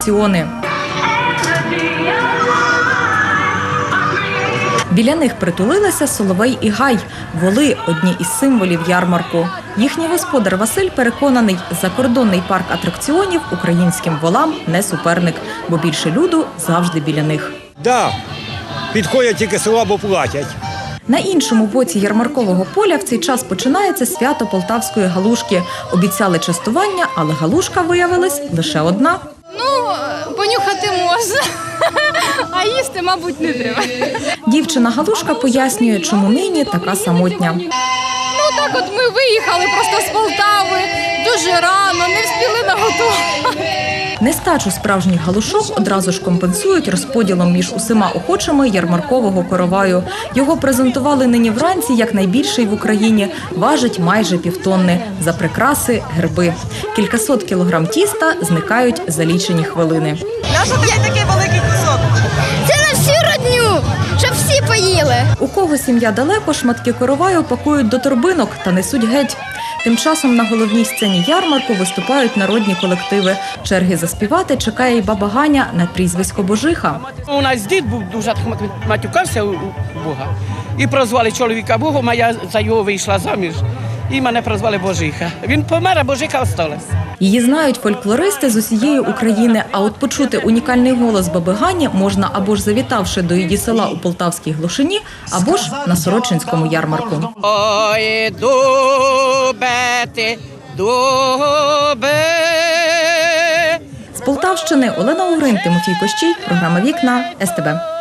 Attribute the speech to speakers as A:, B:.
A: Біля них притулилися соловей і гай – воли – одні із символів ярмарку. Їхній господар Василь переконаний, закордонний парк атракціонів українським волам не суперник, бо більше люду завжди біля них.
B: Так, підходять тільки слабо платять.
A: На іншому боці ярмаркового поля в цей час починається свято полтавської галушки. Обіцяли частування, але галушка виявилась лише одна.
C: Понюхати можна, а їсти, мабуть, не треба.
A: Дівчина-галушка пояснює, чому нині така самотня.
C: Так от ми виїхали просто з Полтави дуже рано, не встигли наготувати.
A: Нестачу справжніх галушок одразу ж компенсують розподілом між усіма охочими ярмаркового короваю. Його презентували нині вранці як найбільший в Україні. Важить майже півтонни. За прикраси – герби. Кількасот кілограм тіста зникають за лічені хвилини.
D: Нащо тобі такий великий кусок?
C: Це на всю родню, щоб всі поїли.
A: У кого сім'я далеко, шматки короваю пакують до торбинок та несуть геть. Тим часом на головній сцені ярмарку виступають народні колективи. Черги заспівати чекає й баба Ганя на прізвисько Божиха.
E: У нас дід був дуже матюкався у Бога. І прозвали чоловіка Богом, а я за його вийшла заміж. І мене прозвали Божиха. Він помер, а Божиха осталась.
A: Її знають фольклористи з усієї України, а от почути унікальний голос баби Гані можна або ж завітавши до її села у Полтавській Глушині, або ж на Сорочинському ярмарку.
E: Ой, дубе ти, дубе.
A: З Полтавщини Олена Угрин, Тимофій Кощій, програма «Вікна», СТБ.